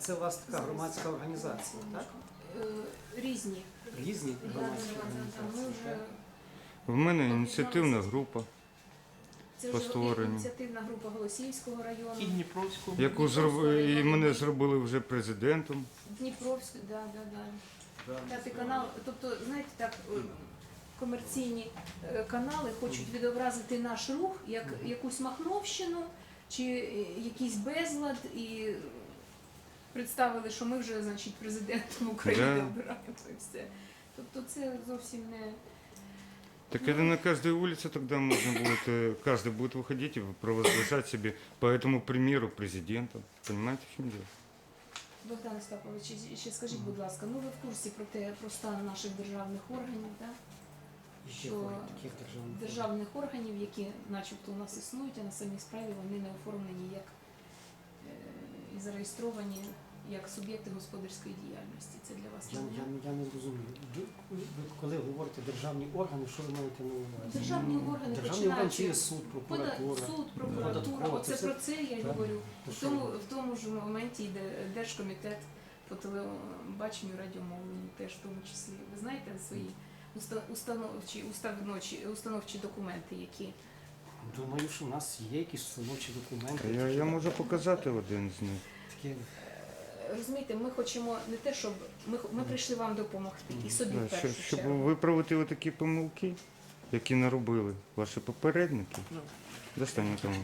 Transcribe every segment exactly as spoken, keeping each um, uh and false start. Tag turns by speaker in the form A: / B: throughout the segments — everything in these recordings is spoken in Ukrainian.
A: це у вас така громадська організація, так?
B: Е, Різні.
A: Різні громадські
B: Ми
A: організації.
B: вже,
A: так?
C: В мене ініціативна група,
B: це
C: по
B: вже
C: створенню.
B: ініціативна група Голосіївського району.
D: І Дніпровську.
C: яку зробили, і мене зробили вже президентом.
B: Дніпровський, да, да, да. П'ятий канал, тобто, знаєте, так, е, комерційні е, канали хочуть відобразити наш рух як якусь махновщину чи е, якийсь безлад і представили, що ми вже, значить, президентом України
C: Да.
B: обираємо і все. Тобто це зовсім не...
C: Так это на каждой улице тогда можно будет, э, каждый будет выходить и провозглашать себе по этому примеру президента. Понимаете, в чем дело?
B: Богдан Остапович, ще- ще скажіть, будь ласка, ну ви в курсі про те, про стан наших державних органів, да?
A: І ще
B: Що
A: таких державних
B: державних органів, які начебто у нас існують, а на самій справі вони не оформлені як е, і зареєстровані як суб'єкти господарської діяльності. Це для вас
A: Я,
B: новина?
A: я, я не розумію. Ви, ви коли говорите державні органи, що ви маєте на увазі?
B: Державні органи
A: Державні органи чи є
B: починаючи
A: суд,
B: Пода-
A: прокуратура?
B: суд, прокуратура,
A: Податкова,
B: оце
A: це все-
B: про це я
A: так.
B: говорю.
A: То
B: В
A: що
B: тому,
A: ви?
B: в тому ж моменті йде Держкомітет по телебаченню, радіомовленню теж в тому числі. Ви знаєте свої уста- установчі, установчі, установчі документи, які
A: Думаю, що в нас є якісь установчі документи.
C: Я, я можу показати один з них.
A: Такі,
B: розумієте, ми хочемо не те, щоб ми, ми прийшли вам допомогти і собі в
C: Да,
B: першу
C: щоб, щоб
B: чергу.
C: виправити такі помилки, які наробили ваші попередники.
D: Ну.
C: Достань тому.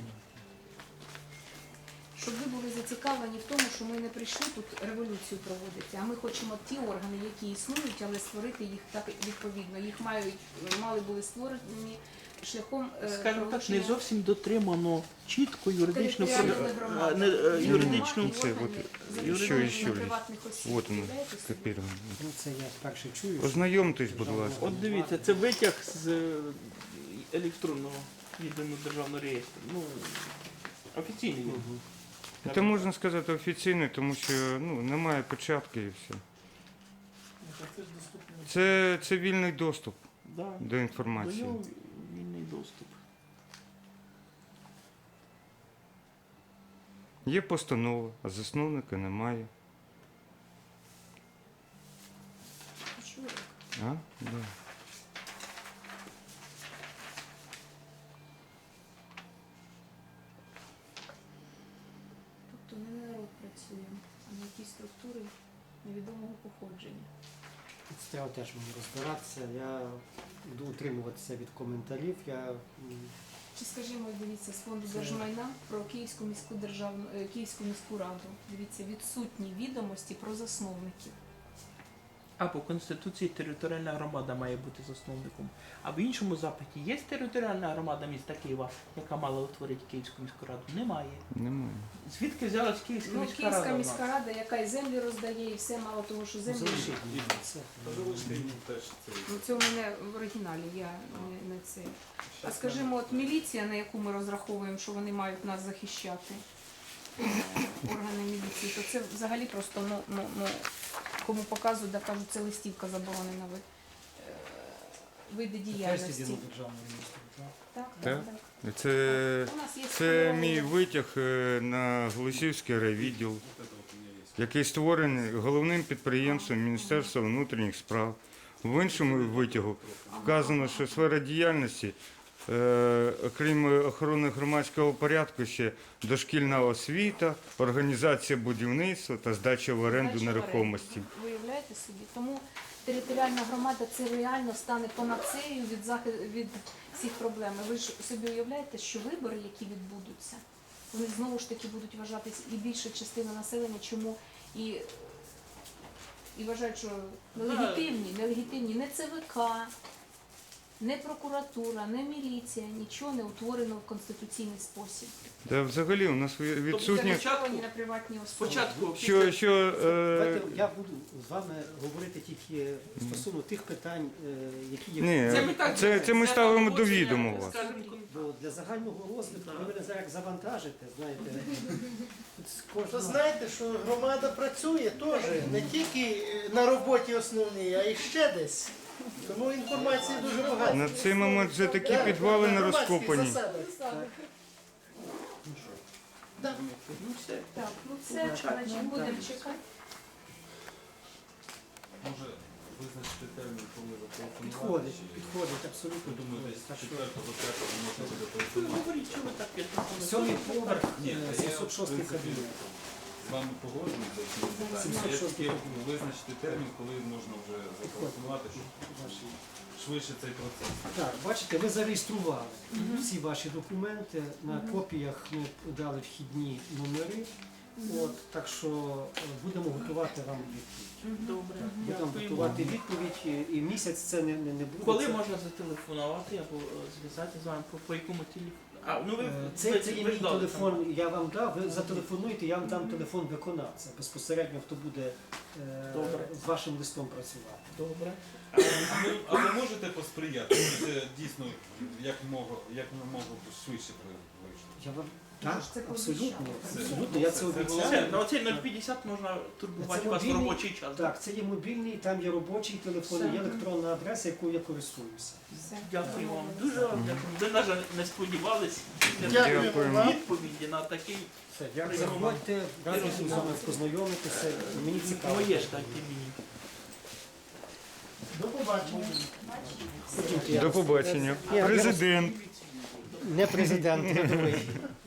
B: Щоб ви були зацікавлені в тому, що ми не прийшли тут революцію проводити, а ми хочемо ті органи, які існують, але створити їх так відповідно. Їх мають мали були створені шляхом е,
D: Скажімо так, не
B: проголошення
D: зовсім дотримано чітко юридичну
B: територіальної
D: про-
B: громади.
D: а, не, е, юридичну.
B: Немає
C: Це
B: органів,
C: от,
B: зареєстрованих
C: ще- ще
B: на
C: лист.
B: приватних осіб.
C: Вот він,
B: Уявляєте собі?
C: скопірований.
A: ну це я вперше чую.
C: Ознайомтесь, будь ласка.
D: От дивіться, це витяг з е, електронного єдиного державного реєстру. Ну, офіційний він.
A: Мгм.
C: Це можна сказати офіційно, тому що ну, немає печатки і все. Це, це вільний доступ
D: Да.
C: до
D: До
C: інформації.
D: нього вільний доступ.
C: Є постанова, а засновника немає.
B: Чую.
C: А? Да.
B: Тобто не народ працює, а на якісь структури невідомого походження.
A: Це треба теж мені розбиратися. Я буду утримуватися від коментарів. Я м,
B: Чи скажімо, дивіться, з фонду
A: Це-
B: держмайна про Київську міську державну е, Київську міську раду. Дивіться, відсутні відомості про засновників.
D: А по Конституції територіальна громада має бути засновником. А в іншому запиті є територіальна громада міста Києва, яка мала утворити Київську міську раду? Немає.
C: Немає.
D: Звідки взялась Київська
B: Ну,
D: міська
B: Київська
D: рада? в нас?
B: міська рада, яка і землі роздає, і все, мало того, що землі.
A: залишіть мені це.
B: Ну, це у мене в оригіналі, я не, не це. А скажімо, от міліція, на яку ми розраховуємо, що вони мають нас захищати, е, органи міліції, то це взагалі просто, ну, ну, ну кому показують, да кажуть, це листівка заборонена ви, е, види діяльності.
A: державного міністра, так?
B: Так,
C: Так.
B: так, так.
C: Це,
B: У нас є
C: це
B: сформовані-
C: мій витяг е, на Голосіївський райвідділ, який створений головним підприємством Міністерства внутрішніх справ. В іншому витягу вказано, що сфера діяльності, е, окрім охорони громадського порядку, ще дошкільна освіта, організація будівництва та здача в оренду
B: Здача в
C: нерухомості.
B: оренду. Ви уявляєте собі? Тому територіальна громада це реально стане панацеєю від захи- від всіх проблем. Ви ж собі уявляєте, що вибори, які відбудуться, вони знову ж таки будуть вважатись і більша частина населення, чому і, і вважають, що нелегітимні, нелегітимні не ЦВК, не прокуратура, не міліція, нічого не утворено в конституційний спосіб.
C: Та взагалі у нас відсутні.
B: Зареєстровані на приватні особи.
D: Спочатку
C: Що, що, е,
A: Давайте я буду з вами говорити тільки стосовно тих питань, е, які є.
C: ні,
D: Це ми так-
C: це, це ми
D: це
C: ставимо до
D: погодження,
C: відома вас.
D: скажімо,
A: Бо для загального розвитку ви мене зараз завантажите, знаєте. Тут з
E: То
A: кожного-
E: знаєте, що громада працює теж, не тільки на роботі основній, а й ще десь. Тому інформації дуже багато.
C: На цей момент вже такі
E: Так,
C: підвали
E: на
C: не
E: громадських
C: розкопані.
E: засадах. Да.
D: Ну все.
B: Так, ну це значить будемо чекати.
F: Може визначити термін, коли зателефонувати?
A: Підходить,
F: чи-
A: підходить, абсолютно
F: Я думаю,
A: підходить.
F: десь
A: Так що
F: четвертого, п'ятого можна буде
D: Ви
F: телефонувати.
D: говоріть, що ви так п'ятнадцять.
A: сьомий поверх,
F: Ні,
A: е,
F: та я,
A: сімсот шостий
F: в принципі,
A: кабінет.
F: З вами погоджуюсь за ці питання.
A: сімсот
F: Я
A: шостий
F: тільки
A: кабінет.
F: визначити термін, коли можна вже зателефонувати, щоб
A: Ваші.
F: швидше цей процес.
A: Так, бачите, ви зареєстрували всі ваші документи. На копіях ми дали вхідні номери. От, так що е, будемо готувати вам відповідь.
D: Добре.
A: Будемо
D: Дякую.
A: готувати відповідь, і- і місяць це не, не, не буде.
D: Коли
A: це,
D: можна зателефонувати або е, зв'язати з вами по, по якому телефону? А, ну ви,
A: е,
D: ви,
A: це, це є
D: ви
A: мій
D: ждали
A: телефон, я вам дав, ви зателефонуєте, я вам дам телефон виконавця. Безпосередньо хто буде е,
D: Добре.
A: з вашим листом працювати.
D: там. Добре.
F: А ви, а ви можете посприяти, щоб це дійсно як мого, як мого швидше вийшло?
A: Я вам так,
B: це
A: абсолютно,
B: пообіцяли.
A: абсолютно, я це
F: Це- це
A: обіцяю.
D: Все, на оцей нуль п'ятдесят можна турбувати
A: Це
D: вас в
A: мобільний-
D: робочий час.
A: Так, це є мобільний, там є робочий телефон,
B: Все.
A: є електронна адреса, якою я користуюся.
B: Все.
D: Дякую вам. Дуже вам дякую. Ви, на жаль, не сподівались
E: Дякуємо
C: Дякуємо.
E: вам.
D: відповіді на такий
A: Все, дякую. Заходьте, радий з вами познайомитися. Мені цікаво.
D: моє ж так і мені.
E: До побачення.
A: Ходімте, я
C: До
A: вас-
C: побачення.
A: Я- я вас-
C: Президент.
A: Не президент, рядовий.